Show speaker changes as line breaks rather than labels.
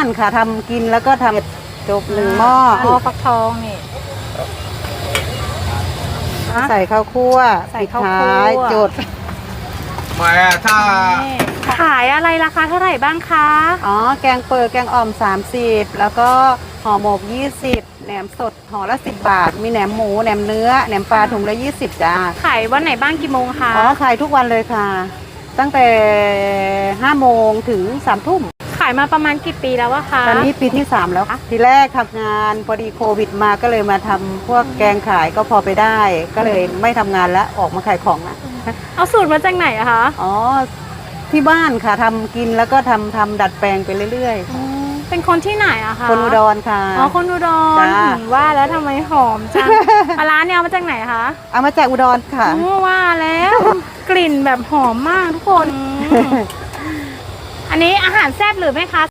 านค่ะทำกินแล้วก็ทำจบ1 หม้อ
ฟักทองนี่
ใส่ข้าวคั่ว
ใส่
ปิด
ข้าวคั่ว
ท้ายจด
มาถ้า
นี่ขายอะไรราคาเท่าไหร่บ้างคะ
อ๋อแกงเปิดแกงอ่อม30แล้วก็ห่อหมก20แหนมสดห่อละ10 บาท มีแหนมหมูแหนมเนื้อแหนมปลาถุงละ20จ้า
ขายวันไหนบ้างกี่โมงคะ
อ๋อขายทุกวันเลยค่ะ ตั้งแต่5 โมงถึง3 ทุ่ม
ขายมาประมาณกี่ปีแล้วอะคะ
ตอนนี้ปีที่ 3 แล้วค่ะทีแรกทำงานพอดีโควิดมาก็เลยมาทำพวกแกงขายก็พอไปได้ ก็เลยไม่ทำงานแล้วออกมาขายของนะ
เอาสูตรมาจากไหนอะคะ
อ๋อที่บ้านค่ะทำกินแล้วก็ทำดัดแปลงไปเรื่อยๆค่ะ
เป็นคนที่ไหนอะคะ
คนอุดรค่ะ
อ๋อคนอุดร
จ้า
ว่าแล้วทำไมหอมจัง ปลาร้าเนี่ยเอามาจากไหนคะ
เอามาจากอุดรค่ะ
ว่าแล้ว กลิ่นแบบหอมมากทุกคน อันนี้อาหารแซ่บหรือไหมคะ